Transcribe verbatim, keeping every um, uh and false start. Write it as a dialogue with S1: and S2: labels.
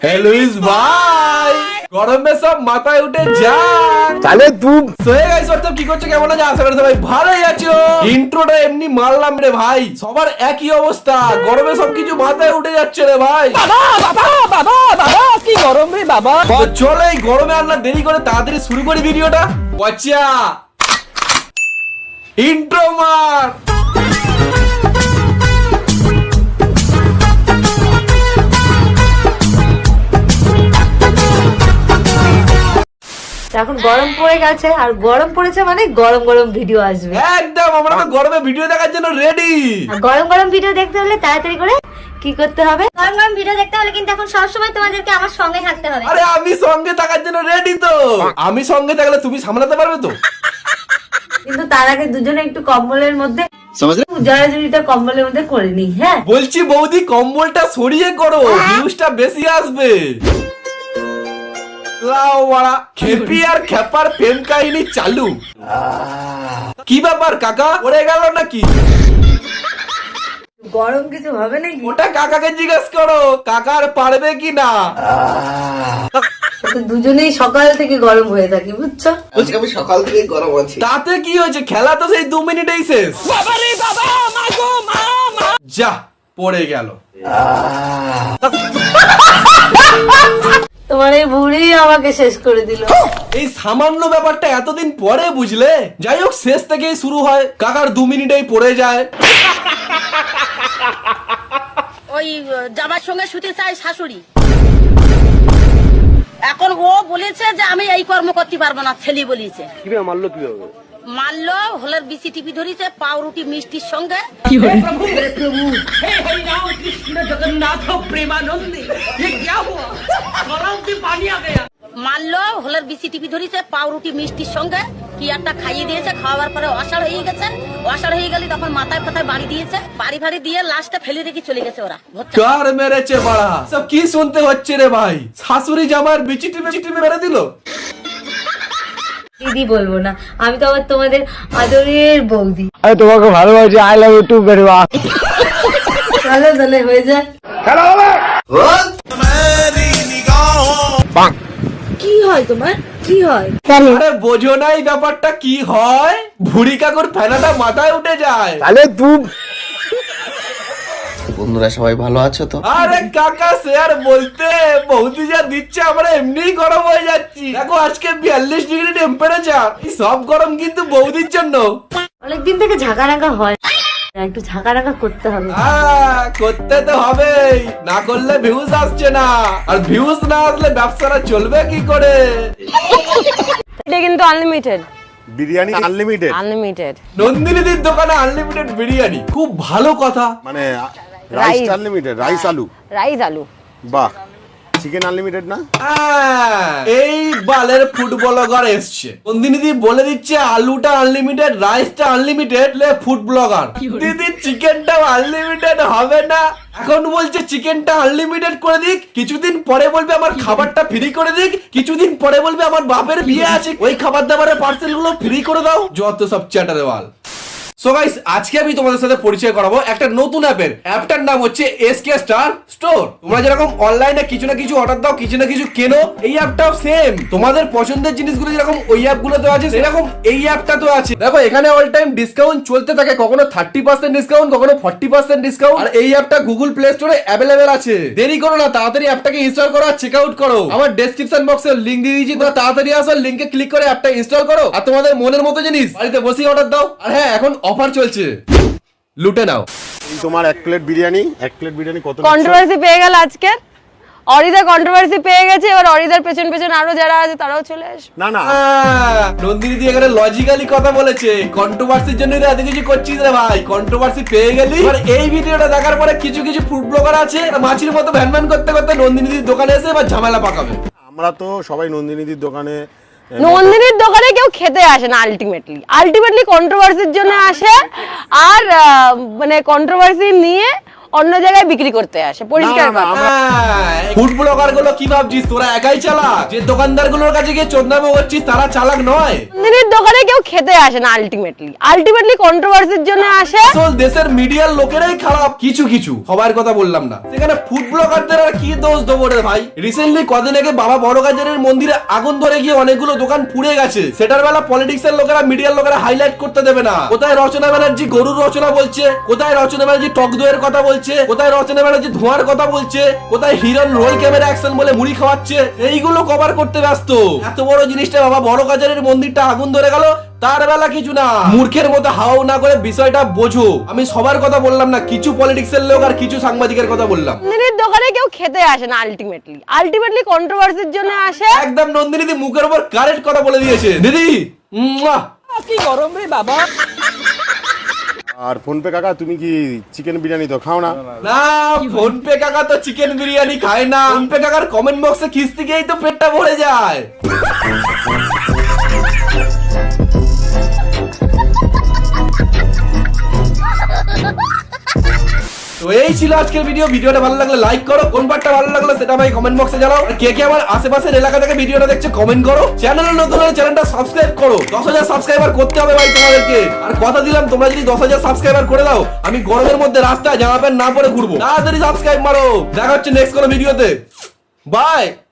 S1: Louis भाई গরম में सब মাথায় উঠে যান
S2: তাহলে তুই
S1: সোয়ে গাইস হোয়াটসঅ্যাপ কি করছো কেমন আছো আশা করি সবাই ভালোই আছো ইন্ট্রোটা এমনি মারলাম রে ভাই সবার একই অবস্থা গরমে সবকিছু মাথায় উঠে যাচ্ছে রে ভাই
S3: বাবা বাবা বাবা বাবা কি গরম রে বাবা
S1: তো চলো এই গরমে আর না দেরি করে তাড়াতাড়ি শুরু করি ভিডিওটা বাচ্চা ইন্ট্রো মার
S4: এখন গরম পড়ে গেছে আর গরম পড়েছে মানে গরম গরম ভিডিও আসবে
S1: একদম আমরা তো গরমে ভিডিও দেখার জন্য রেডি
S4: আর গরম গরম ভিডিও দেখতে হলে তাড়াতাড়ি করে কি করতে হবে গরম গরম ভিডিও দেখতে হলে কিন্তু এখন সব সময় তোমাদেরকে আমার সঙ্গে থাকতে হবে
S1: আরে আমি সঙ্গে থাকার জন্য রেডি তো আমি সঙ্গে থাকলে তুমি সামলাতে পারবে তো
S4: কিন্তু তার আগে দুজনে একটু কম্বলের মধ্যে জড়াজড়িটা কম্বলের মধ্যে করে নি হ্যাঁ
S1: বলছি বৌদি কম্বলটা সরিয়ে করো ভিউজটা বেশি আসবে লাও বাড়া খেপি আর খেপার প্রেম কাহিনী চালু কি ব্যাপার কাকা পড়ে গেল নাকি
S4: গরম কিছু হবে নাকি
S1: ওটা কাকাকে জিজ্ঞেস করো কাকার পারবে কি না
S4: তো দুজনেই সকাল থেকে গরম হয়ে থাকি বুঝছো
S2: আজকে আমি সকাল থেকে গরম আছি
S1: তাতে কি হয়েছে খেলা তো সেই দু মিনিটেই শেষ
S3: বাবা রে বাবা মা গো মা মা
S1: যা পড়ে গেল
S4: তোমার এই বুড়ি আমাকে শেষ করে দিল
S1: এই সামান্য ব্যাপারটা এতদিন পরে বুঝলে যাই হোক শেষ থেকেই শুরু হয় কাকার দু মিনিটেই পড়ে যায়
S5: ওই জামার সঙ্গে শুতে চাই শাশুড়ি এখন ও বলেছে যে আমি এই কর্ম করতে পারবো না ছেলে বলেছে
S2: মারলো কিভাবে
S5: মারলো হলের বিসি টিপি ধরেছে পাউরুটি মিষ্টির সঙ্গে মারলো হলের বিসি টিপি ধরেছে পাউরুটি মিষ্টির সঙ্গে কি একটা খাইয়ে দিয়েছে খাওয়ার পরে অসাড় হয়ে গেছে অসাড় হয়ে গেলে তখন মাথায় ফাথায় বাড়ি দিয়েছে বাড়ি ফাড়ি দিয়ে লাস্টে ফেলে রেখে চলে গেছে ওরা
S1: কার মেরেছে বাড়া সব কি শুনতে হচ্ছে রে ভাই শাশুড়ি জামার বিচি টিপে টিপে মেরে দিল
S4: দিদি বলবো না আমি তো আবার তোমাদের আদরের বৌদি
S2: আরে তোমাকে ভালোবাসি I love you too very much
S4: চলো তাহলে হয়ে যায়
S2: খেলা হবে
S4: কি হয় তোমার কি হয়
S1: আরে বোঝো না এই ব্যাপারটা কি হয় ভুড়ি কাকুর ফেনাটা মাথায় উঠে যায়
S2: তাহলে তুই
S6: বন্ধুরা সবাই ভালো আছো তো?
S1: আরে কাকা শেয়ার বলতে বৌদি যা দিচ্ছে আমরা এমনিই গরম হয়ে যাচ্ছি দেখো আজকে বিয়াল্লিশ ডিগ্রি টেম্পারেচার সব গরম কিন্তু বৌদির জন্য
S4: অনেকদিন থেকে ঝাঁকা রাখা হয় একটু ঝাঁকা রাখা করতে হবে
S1: আহ, করতে তো হবেই না করলে ভিউজ আসছে না আর ভিউজ না আসলে ব্যবসাটা চলবে কি করে
S3: এটা কিন্তু আনলিমিটেড
S7: বিরিয়ানি আনলিমিটেড
S3: আনলিমিটেড
S1: নন্দিনীদির দোকানে আনলিমিটেড বিরিয়ানি খুব ভালো কথা
S7: মানে রাইস
S3: Rice.
S7: আনলিমিটেড রাইস আলু
S3: রাইস আলু
S7: বাহ চিকেন আনলিমিটেড না
S1: আহ, এই বালের ফুটবল ব্লগার এসছে নন্দিনীদি বলে দিচ্ছে আলুটা আনলিমিটেড রাইসটা আনলিমিটেড লে ফুড ব্লগার দিদি চিকেনটাও আনলিমিটেড হবে না এখন বলছে চিকেনটা আনলিমিটেড করে দিক কিছুদিন পরে বলবে আমার খাবারটা ফ্রি করে দিক কিছুদিন পরে বলবে আমার বাপের বিয়ে আছে ওই খাবার দাবারের পার্সেল গুলো ফ্রি করে দাও যত সব চ্যাটারে বাল সো গাইস আজকে আমি তোমাদের সাথে পরিচয় করাবো একটা নতুন অ্যাপের অ্যাপটার নাম হচ্ছে এসকে স্টার স্টোর তোমরা যেরকম অনলাইনে কিছু না কিছু অর্ডার দাও কিছু না কিছু কেনো এই অ্যাপটাও সেম তোমাদের পছন্দের জিনিসগুলো যেরকম ওই অ্যাপগুলোতে আছে সেরকম এই অ্যাপটাতেও আছে দেখো এখানে অল টাইম ডিসকাউন্ট চলতে থাকে কখনো থার্টি পার্সেন্ট ডিসকাউন্ট কখনো ফর্টি পার্সেন্ট ডিসকাউন্ট আর এই অ্যাপটা গুগল প্লে স্টোরে অ্যাভেলেবেল আছে দেরি করো না তাড়াতাড়ি অ্যাপটাকে ইনস্টল করো আর চেক আউট করো আমার ডেসক্রিপশন বক্সে লিংক দিয়ে দিয়েছি তোমরা তাড়াতাড়ি আসো লিংকে ক্লিক করে অ্যাপটা ইনস্টল করো আর তোমাদের মনের মতো জিনিস বাড়িতে বসেই অর্ডার দাও আর হ্যাঁ এখন অফার চলছে লুটে নাও
S7: এই তোমার এক প্লেট বিরিয়ানি এক প্লেট বিরিয়ানি কত নিচ্ছ?
S3: কন্ট্রোভার্সি পেয়ে গেল আজকে অরিদা কন্ট্রোভার্সি পেয়ে গেছে এবার অরিদার পেছন পেছন আরো যারা আছে তারাও চলে আসবে
S7: না না
S1: নন্দিনী দি এখানে লজিক্যালি কথা বলেছে কন্ট্রোভার্সির জন্য এত কিছু করছিস রে ভাই কন্ট্রোভার্সি পেয়ে গেলি এবার এই ভিডিওটা দেখার পরে কিছু কিছু ফুড ব্লগার আছে মাছির মতো ভ্যান ভ্যান করতে করতে নন্দিনী দির দোকানে এসে এবার ঝামেলা পাকাবে
S7: আমরা তো সবাই নন্দিনীদির দোকানে
S3: নন্দিনীর দোকানে কেউ খেতে আসে না আলটিমেটলি আলটিমেটলি কন্ট্রোভার্সির জন্য আসে আর আহ, মানে কন্ট্রোভার্সি নিয়ে অন্য জায়গায় বিক্রি করতে আসে, পরিষ্কার
S7: না, না,
S3: কথা।
S1: ফুড ব্লগার গুলো কি ভাবছিস তোরা একাই চালাক? যে দোকানদার গুলোর কাছে গিয়ে চোদনামো করছিস তারা চালাক নয়?
S3: নন্দিনীর দোকানে কেউ খেতে আসে না, আলটিমেটলি আলটিমেটলি কন্ট্রোভার্সির জন্য আসে।
S1: আসল দেশের মিডিয়ার লোকেরাই খারাপ, কিছু কিছু, সবার কথা বললাম না। সেখানে ফুড ব্লগারদের আর কি দোষ দেবো রে ভাই? রিসেন্টলি কদিন আগে বাবা বড় গাজরের মন্দিরে আগুন ধরে গিয়ে অনেকগুলো দোকান পুড়ে গেছে। সেটার বেলা পলিটিক্স এর লোকেরা, মিডিয়ার লোকেরা হাইলাইট করতে দেবে না। কোথায় রচনা ব্যানার্জি গরুর রচনা বলছে, কোথায় রচনা ব্যানার্জি টক দইয়ের কথা বলছে, কোথায় রচনা ব্যানার্জি ধোঁয়ার কথা বলছে, কোথায় হিরন রোল ক্যামেরা অ্যাকশন বলে মুড়ি খাওয়াচ্ছে। এইগুলো কভার করতে ব্যস্ত। এত বড় জিনিসটা বাবা বড় গাজরের মন্দিরটা আগুন ধরে গেল, তার বেলা কিছু না। মূর্খের মতো হাও না করে বিষয়টা বোঝো। আমি সবার কথা বললাম না, কিছু পলিটিক্স এর লোক আর কিছু সাংবাদিকের কথা বললাম।
S3: নন্দিনীর দোকানে কেউ খেতে আসে না, আলটিমেটলি আলটিমেটলি কন্ট্রোভার্সির জন্য আসে।
S1: একদম নন্দিনী দি মুখের উপর কারেক্ট কথা বলে দিয়েছে। দিদি মুয়া।
S6: কি গরম রে বাবা।
S7: আর ফোন পে কাকা তুমি কি চিকেন বিরিয়ানি তো খাও না?
S1: না, ফোন পে কাকা তো চিকেন বিরিয়ানি খায় না। ফোন পে কাকার কমেন্ট বক্সে খিস্তি গিয়েই তো পেটটা ভরে যায়। তো এই ছিল আজকের ভিডিও। ভিডিওটা ভালো লাগলে লাইক করো, কোন পার্টটা ভালো লাগলো সেটা ভাই কমেন্ট বক্সে জানাও। আর কে কে আমার আশেপাশের এলাকা থেকে ভিডিওটা দেখছে কমেন্ট করো। চ্যানেলে নতুন হলে চ্যানেলটা সাবস্ক্রাইব করো। দশ হাজার সাবস্ক্রাইবার করতে হবে ভাই তোমাদেরকে। আর কথা দিলাম, তোমরা যদি দশ হাজার সাবস্ক্রাইবার করে দাও, আমি গরমের মধ্যে রাস্তায় জামা প্যান্ট না পরে ঘুরবো। তাড়াতাড়ি সাবস্ক্রাইব মারো। দেখা হচ্ছে নেক্সট কোনো ভিডিওতে। বাই।